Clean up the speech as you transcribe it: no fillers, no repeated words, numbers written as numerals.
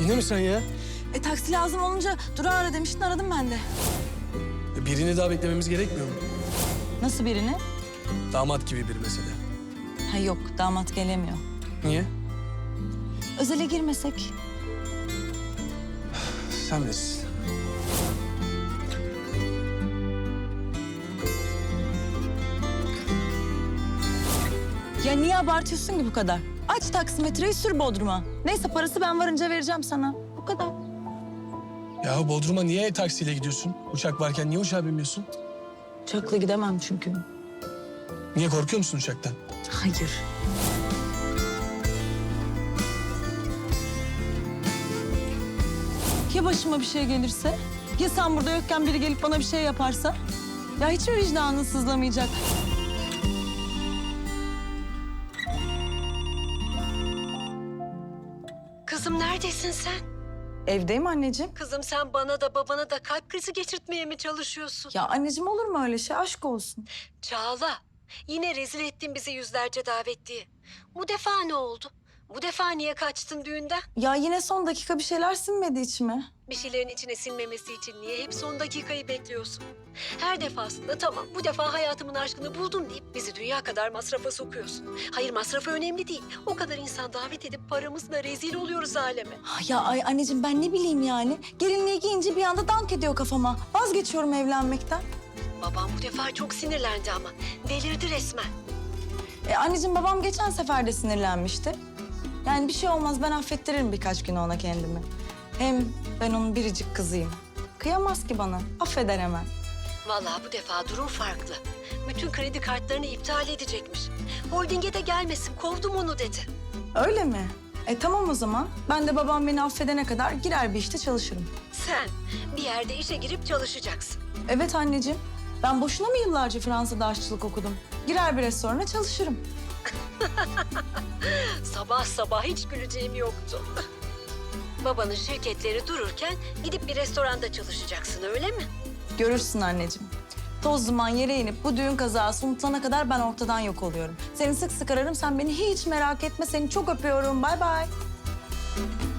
Yine mi sen ya? Taksi lazım olunca Duru ara demiştin, aradım ben de. Birini daha beklememiz gerekmiyor mu? Nasıl birini? Damat gibi bir mesele. Ha yok, damat gelemiyor. Niye? Özele girmesek? Sen bilirsin. Ya niye abartıyorsun ki bu kadar? Aç taksimetreyi, sür Bodrum'a. Neyse parası ben varınca vereceğim sana. Bu kadar. Ya Bodrum'a niye taksiyle gidiyorsun? Uçak varken niye uçağa binmiyorsun? Uçakla gidemem çünkü. Niye korkuyor musun uçaktan? Hayır. Ya başıma bir şey gelirse? Ya sen burada yokken biri gelip bana bir şey yaparsa? Ya hiç mi vicdanın sızlamayacak? Kızım neredesin sen? Evdeyim anneciğim. Kızım sen bana da babana da kalp krizi geçirtmeye mi çalışıyorsun? Ya anneciğim olur mu öyle şey? Aşk olsun. Çağla, yine rezil ettin bizi yüzlerce davetliye. Bu defa ne oldu? Bu defa niye kaçtın düğünden? Ya yine son dakika bir şeyler sinmedi içime. Bir şeylerin içine sinmemesi için niye hep son dakikayı bekliyorsun? Her defasında tamam bu defa hayatımın aşkını buldum deyip bizi dünya kadar masrafa sokuyorsun. Hayır masrafı önemli değil. O kadar insan davet edip paramızla rezil oluyoruz aleme. Ya ay anneciğim ben ne bileyim yani. Gelinliği giyince bir anda dank ediyor kafama. Vazgeçiyorum evlenmekten. Babam bu defa çok sinirlendi ama. Delirdi resmen. Anneciğim babam geçen sefer de sinirlenmişti. Yani bir şey olmaz, ben affettiririm birkaç gün ona kendimi. Hem ben onun biricik kızıyım. Kıyamaz ki bana, affeder hemen. Vallahi bu defa durum farklı. Bütün kredi kartlarını iptal edecekmiş. Holding'e de gelmesin, kovdum onu dedi. Öyle mi? Tamam o zaman. Ben de babam beni affedene kadar girer bir işte çalışırım. Sen bir yerde işe girip çalışacaksın. Evet anneciğim. Ben boşuna mı yıllarca Fransa'da aşçılık okudum? Girer bir restorana çalışırım. Sabah sabah hiç güleceğim yoktu. Babanın şirketleri dururken gidip bir restoranda çalışacaksın öyle mi? Görürsün anneciğim. Toz duman yere inip bu düğün kazası unutulana kadar ben ortadan yok oluyorum. Seni sık sık ararım, sen beni hiç merak etme. Seni çok öpüyorum. Bay bay.